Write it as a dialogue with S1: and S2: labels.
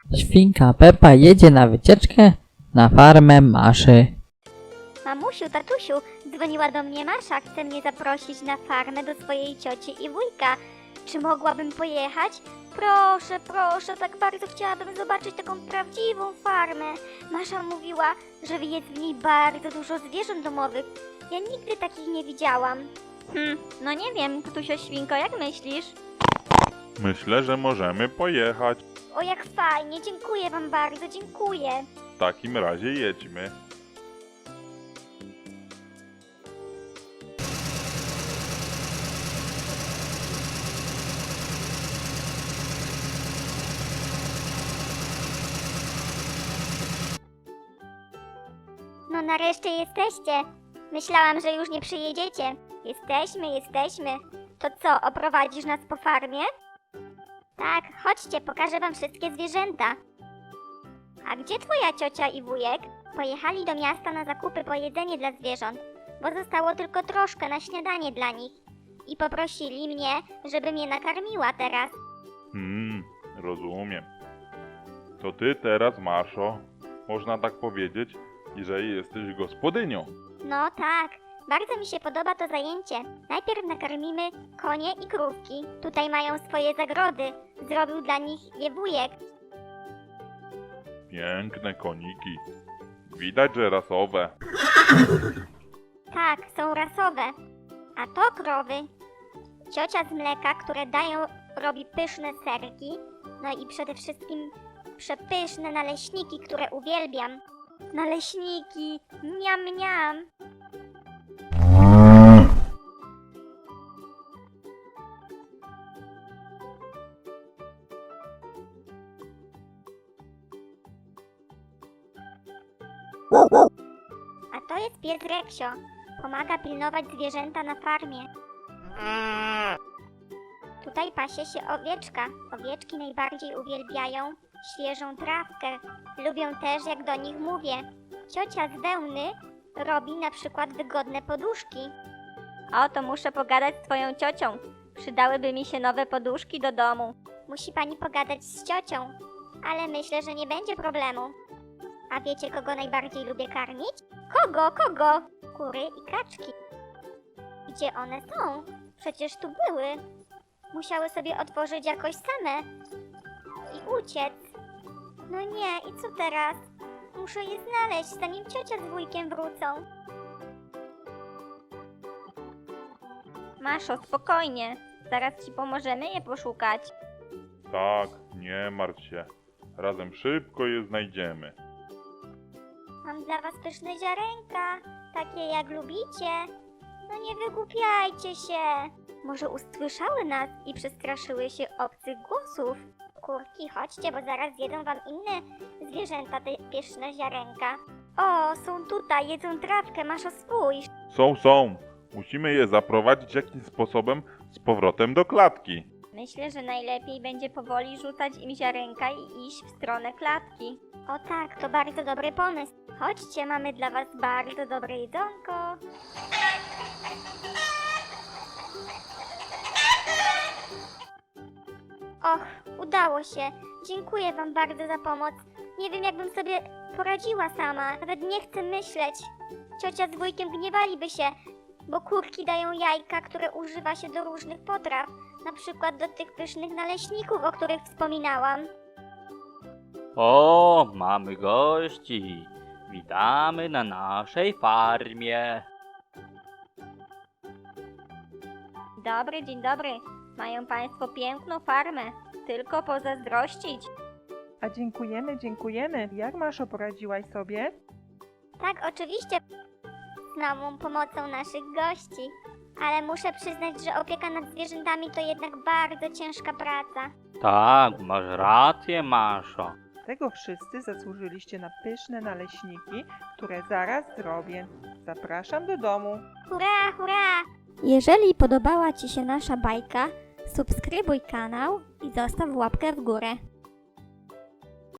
S1: Świnka Pepa jedzie na wycieczkę na farmę Maszy.
S2: Mamusiu, tatusiu, dzwoniła do mnie Masza, chce mnie zaprosić na farmę do swojej cioci i wujka. Czy mogłabym pojechać? Proszę, proszę, tak bardzo chciałabym zobaczyć taką prawdziwą farmę. Masza mówiła, że jest w niej bardzo dużo zwierząt domowych. Ja nigdy takich nie widziałam. No nie wiem, Ktusio Świnko, jak myślisz?
S3: Myślę, że możemy pojechać.
S2: O, jak fajnie, dziękuję wam bardzo, dziękuję.
S3: W takim razie jedźmy.
S2: No nareszcie jesteście. Myślałam, że już nie przyjedziecie. Jesteśmy. To co, oprowadzisz nas po farmie? Tak, chodźcie, pokażę wam wszystkie zwierzęta. A gdzie twoja ciocia i wujek? Pojechali do miasta na zakupy po jedzenie dla zwierząt, bo zostało tylko troszkę na śniadanie dla nich. I poprosili mnie, żebym je nakarmiła teraz.
S3: Rozumiem. To ty teraz, Maszo, można tak powiedzieć, że jesteś gospodynią.
S2: No tak, bardzo mi się podoba to zajęcie. Najpierw nakarmimy konie i krówki. Tutaj mają swoje zagrody. Zrobił dla nich je wujek.
S3: Piękne koniki. Widać, że rasowe.
S2: Tak, są rasowe. A to krowy. Ciocia z mleka, które dają, robi pyszne serki. No i przede wszystkim przepyszne naleśniki, które uwielbiam. Naleśniki, miam, miam. A to jest pies Reksio. Pomaga pilnować zwierzęta na farmie. Tutaj pasie się owieczka. Owieczki najbardziej uwielbiają świeżą trawkę. Lubią też, jak do nich mówię. Ciocia z wełny robi na przykład wygodne poduszki. O, to muszę pogadać z twoją ciocią. Przydałyby mi się nowe poduszki do domu. Musi pani pogadać z ciocią, ale myślę, że nie będzie problemu. A wiecie, kogo najbardziej lubię karmić? Kogo? Kury i kaczki. Gdzie one są? Przecież tu były. Musiały sobie otworzyć jakoś same i uciec. No nie, i co teraz? Muszę je znaleźć, zanim ciocia z wujkiem wrócą. Maszo, spokojnie. Zaraz ci pomożemy je poszukać.
S3: Tak, nie martw się. Razem szybko je znajdziemy.
S2: Mam dla was pyszne ziarenka, takie jak lubicie. No nie wygłupiajcie się. Może usłyszały nas i przestraszyły się obcych głosów. Kurki, chodźcie, bo zaraz zjedzą wam inne zwierzęta te pyszne ziarenka. O, są tutaj, jedzą trawkę, Maszo, spójrz.
S3: Są. Musimy je zaprowadzić jakimś sposobem z powrotem do klatki.
S2: Myślę, że najlepiej będzie powoli rzucać im ziarenka i iść w stronę klatki. O tak, to bardzo dobry pomysł. Chodźcie, mamy dla was bardzo dobre jedzonko. Och, udało się. Dziękuję wam bardzo za pomoc. Nie wiem, jakbym sobie poradziła sama. Nawet nie chcę myśleć. Ciocia z wujkiem gniewaliby się, bo kurki dają jajka, które używa się do różnych potraw. Na przykład do tych pysznych naleśników, o których wspominałam.
S4: O, mamy gości. Witamy na naszej farmie.
S2: Dzień dobry. Mają państwo piękną farmę. Tylko pozazdrościć.
S5: A dziękujemy. Jak Maszo, poradziłaś sobie?
S2: Tak, oczywiście. Z małą pomocą naszych gości. Ale muszę przyznać, że opieka nad zwierzętami to jednak bardzo ciężka praca.
S4: Tak, masz rację, Maszo.
S5: Tego wszyscy zasłużyliście na pyszne naleśniki, które zaraz zrobię. Zapraszam do domu.
S2: Hurra, hurra! Jeżeli podobała ci się nasza bajka, subskrybuj kanał i zostaw łapkę w górę.